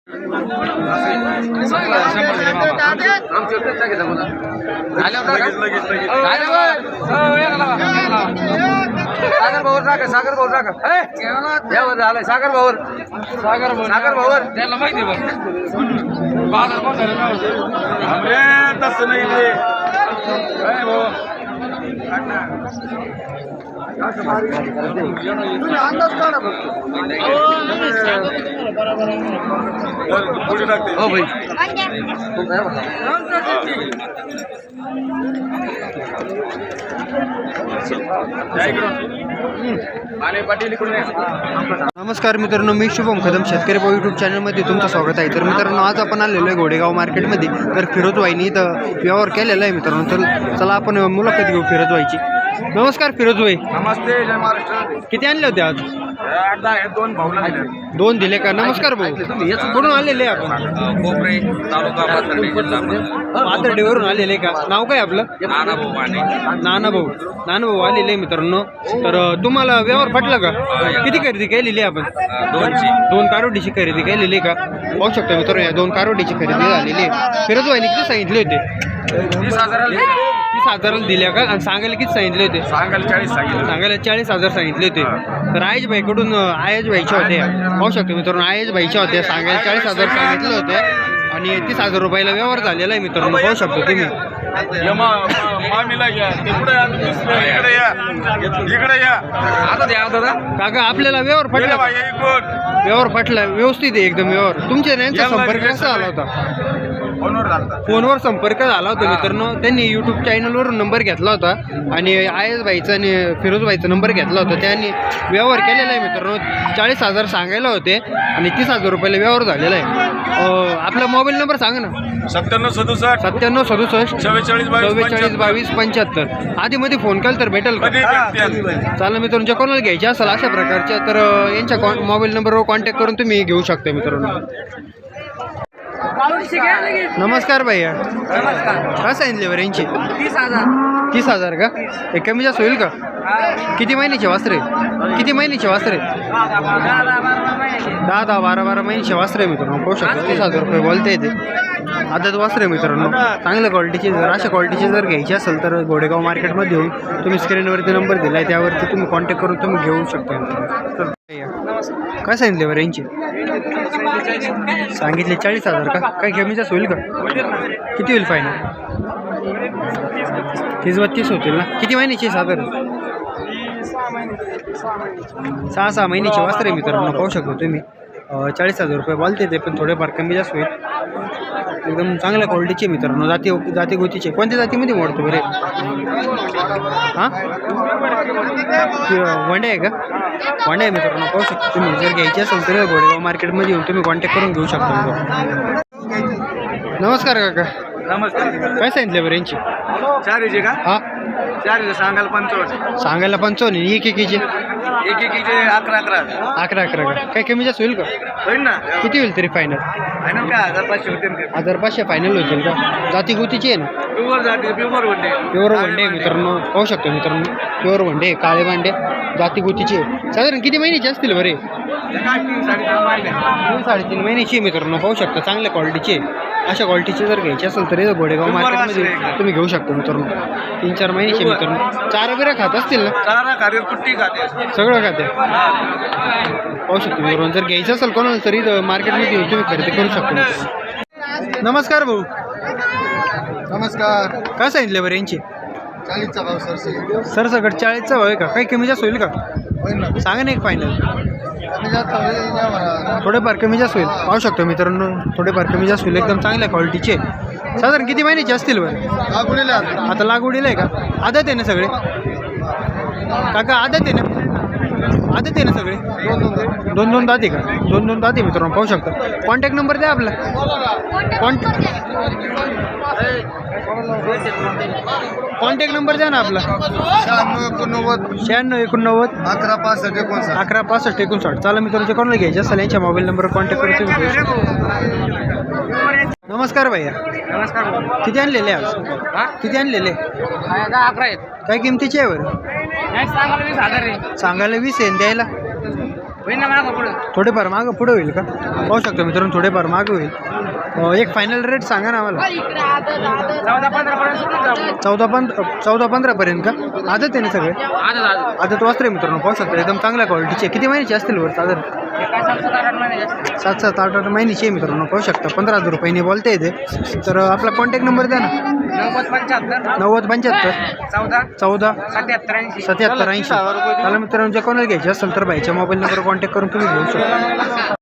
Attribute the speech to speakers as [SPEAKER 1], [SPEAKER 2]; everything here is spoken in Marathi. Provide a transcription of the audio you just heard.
[SPEAKER 1] सागर भाऊ टाका, सागर भाऊ टाका. यावर झालंय सागर भाऊर, सागर भाऊर त्याला माहिती बघ. तसं नाही ते काय भाऊ अंदाज काढा फक्त. हो भाई
[SPEAKER 2] नमस्कार मित्रांनो, मी शुभम कदम शेतकरी भाऊ यूट्यूब चॅनलमध्ये तुमचं स्वागत आहे. तर मित्रांनो, आज आपण आलेलो आहे घोडेगाव मार्केटमध्ये. तर फिरोज वाईनी इथं व्यवहार केलेला आहे मित्रांनो. तर चला आपण मुलाखत घेऊ फिरोज वाईची. नमस्कार फिरोज भाई.
[SPEAKER 1] नमस्ते, जय महाराष्ट्र.
[SPEAKER 2] किती आणले होते आज?
[SPEAKER 1] 8-10 आहेत, 2 भाऊला दिले.
[SPEAKER 2] 2 दिले का? नमस्कार भाऊ. कुठून आलेले आपण?
[SPEAKER 1] कोपरे तालुका पाथर्डी जिल्हा
[SPEAKER 2] पाथर्डीवरून आलेले का? नाव काय आपलं?
[SPEAKER 1] नानाभाऊ माने.
[SPEAKER 2] नानाभाऊ. नानाभाऊ आलेले आहे मित्रांनो. तर तुम्हाला व्यवहार पटला का? किती खरेदी केलेली आहे आपण? 2 कारोडीची खरेदी केलेली आहे का? पाहू शकतो मित्रांनो, या 2 कारोडीची खरेदी झालेली आहे. फिरोज भाईने किती सांगितले होते? 30,000 दिल्या का? आणि सांगायला किती सांगितले होते?
[SPEAKER 1] सांगायला 40 सांगितलं.
[SPEAKER 2] सांगायला 40,000 सांगितले होते. तर आयज भाईकडून आयज भाईच्या होत्या. पाहू शकतो मित्रांनो, आयज भाईच्या होत्या. सांगायला 40,000 सांगितले होते आणि 30,000 रुपयाला व्यवहार झालेला आहे मित्रांनो. पाहू शकतो तुम्ही.
[SPEAKER 1] इकडे या आता द्या दादा.
[SPEAKER 2] काका आपल्याला व्यवहार पटला? व्यवहार पटला, व्यवस्थित आहे एकदम व्यवहार. तुमच्या यांचा संपर्क कसा झाला होता? फोनवर संपर्क झाला होता मित्रांनो. त्यांनी यूट्यूब चॅनलवरून नंबर घेतला होता आणि आयस भाईचा आणि फिरोज भाईचा नंबर घेतला होता. त्यांनी व्यवहार केलेला आहे मित्रांनो. 40,000 सांगायला होते आणि 30,000 रुपयाला व्यवहार झालेला आहे. आपला मोबाईल नंबर सांगा ना.
[SPEAKER 1] 9767
[SPEAKER 2] 9767
[SPEAKER 1] 44
[SPEAKER 2] 22 75. आधीमध्ये फोन केला तर भेटेल का? चालेल मित्रांनो, ज्या कोणाला घ्यायच्या असेल अशा प्रकारच्या तर यांच्या मोबाईल नंबरवर कॉन्टॅक्ट करून तुम्ही घेऊ शकता मित्रांनो. नमस्कार भैया. काय सांगितले बरं यांची? 30,000 का? हे कमी जास्त होईल का? किती महिन्याचे वासरे? किती महिन्याचे वासरे? 10-12 महिन्याचे वासरे मित्रांनो. पाहू शकतो 30,000 रुपये बोलता येते. आदत वासरे मित्रांनो. चांगल्या क्वालिटीचे जर अशा क्वालिटीचे जर घ्यायचे असेल तर घोडेगाव मार्केटमध्ये येऊन तुम्ही स्क्रीनवरती नंबर दिला आहे, त्यावरती तुम्ही कॉन्टॅक्ट करून तुम्ही घेऊ शकता. तर काय सांगितले बरं यांची? सांगितले 40,000 का? काय कमी जास्त होईल का? किती होईल फायनल? 30-32 होतील ना? किती महिन्याची साधारण? 6 महिन्याची वासरे मित्रांनो. पाहू शकतो तुम्ही. 40,000 रुपये बोलते ते, पण थोडेफार कमी जास्त होईल. एकदम चांगल्या क्वालिटीचे मित्रांनो. जाती गोतीचे. कोणत्या जातीमध्ये मोडतो बरे? हां, वंडे आहे का? वंडे आहे मित्रांनो. पाहू शकतो तुम्ही. जर घ्यायची असेल तर घोडेगाव मार्केटमध्ये येऊन तुम्ही कॉन्टॅक्ट करून घेऊ शकता. नमस्कार काका.
[SPEAKER 1] नमस्कार.
[SPEAKER 2] काय सांगितले बरं यांची?
[SPEAKER 1] 4 का?
[SPEAKER 2] हां,
[SPEAKER 1] 4 सांगायला 55.
[SPEAKER 2] सांगायला 55. एकेकीचे
[SPEAKER 1] 11
[SPEAKER 2] का? काय कमी जास्त होईल का?
[SPEAKER 1] होईल ना.
[SPEAKER 2] किती होईल तरी फायनल?
[SPEAKER 1] फायनल का 1500 होते.
[SPEAKER 2] 1500 फायनल होतील का? जाती गोतीची आहे ना?
[SPEAKER 1] Pure one day.
[SPEAKER 2] प्युअर वनडे मित्रांनो. पाहू शकतो मित्रांनो. प्युअर वनडे, काळे भांडे, जाती गोतीचे. साधारण किती महिन्याचे असतील बरे? 3-3.5 महिन्याची मित्रांनो. पाहू शकता चांगल्या क्वालिटीचे. अशा क्वालिटीचे जर घ्यायचे असेल तर घोडेगाव मार्केटमध्ये तुम्ही घेऊ शकता मित्रांनो. 3-4 महिन्याचे मित्रांनो. चारा बिरा खात असतील ना?
[SPEAKER 1] चारा खाते, कुट्टी खाते,
[SPEAKER 2] सगळं खाते. पाहू शकतो मित्रांनो. जर घ्यायचं असेल कोणाला तरी मार्केटमध्ये येऊन तुम्ही खरेदी करू शकता. नमस्कार भाऊ.
[SPEAKER 1] नमस्कार.
[SPEAKER 2] काय सांगितले बरं यांची?
[SPEAKER 1] 40चा भाव
[SPEAKER 2] सर सगळं 40चा भाव आहे का? काही कमी जास्त होईल का? सांगा ना एक फायनल. थोडेफार कमी जास्त होईल. पाहू शकतो मित्रांनो. थोडेफार कमी जास्त होईल. एकदम चांगल्या क्वालिटीचे. साधारण किती महिन्याचे असतील बरं? आता लागवडीला आहे का? आदत आहे ना सगळे काका? आदत आहे ना? आदत आहे ना सगळे? 2-2 दाते का? 2-2 दाते मित्रांनो. पाहू शकता. कॉन्टॅक्ट नंबर द्या आपला. कॉन्टॅक्ट नंबर द्या ना आपला. 96 89 11 65 59. चाला मित्रांनो, कोणाला घ्यायचे असेल यांच्या मोबाईल नंबरवर कॉन्टॅक्ट करून तुम्ही घेऊ शकता. नमस्कार भैया.
[SPEAKER 1] नमस्कार.
[SPEAKER 2] किती आणलेले आज? किती आणलेले?
[SPEAKER 1] 11 आहेत.
[SPEAKER 2] काय किमतीचे आहे बरं?
[SPEAKER 1] सांगायला 20,000 आहे.
[SPEAKER 2] सांगायला 20 आहे. द्यायला
[SPEAKER 1] होईल ना मागं पुढे
[SPEAKER 2] थोडेफार मागं पुढे होईल का? पाहू शकतो मित्रांनो, थोडेफार मागं होईल. एक फायनल रेट सांगा ना आम्हाला.
[SPEAKER 1] 14-15 पर्यंत सोडून जाऊ.
[SPEAKER 2] 14-15 पर्यंत का? आदत आहे ना सगळे? आदत वस्त्र आहे मित्रांनो, पाहू शकतो एकदम चांगल्या क्वालिटीचे. किती महिन्याचे असतील वर साधारण? 7-8 महिन्याची आहे मित्रांनो, पाहू शकता. 15,000 रुपयांनी बोलता येते. तर आपला कॉन्टॅक्ट नंबर द्या ना. 90-75 14 77 80. त्याला मित्रांनो, जे कोणाला घ्यायचे असेल तर भाईच्या मोबाईल नंबर कॉन्टॅक्ट करून तुम्ही घेऊ शकता.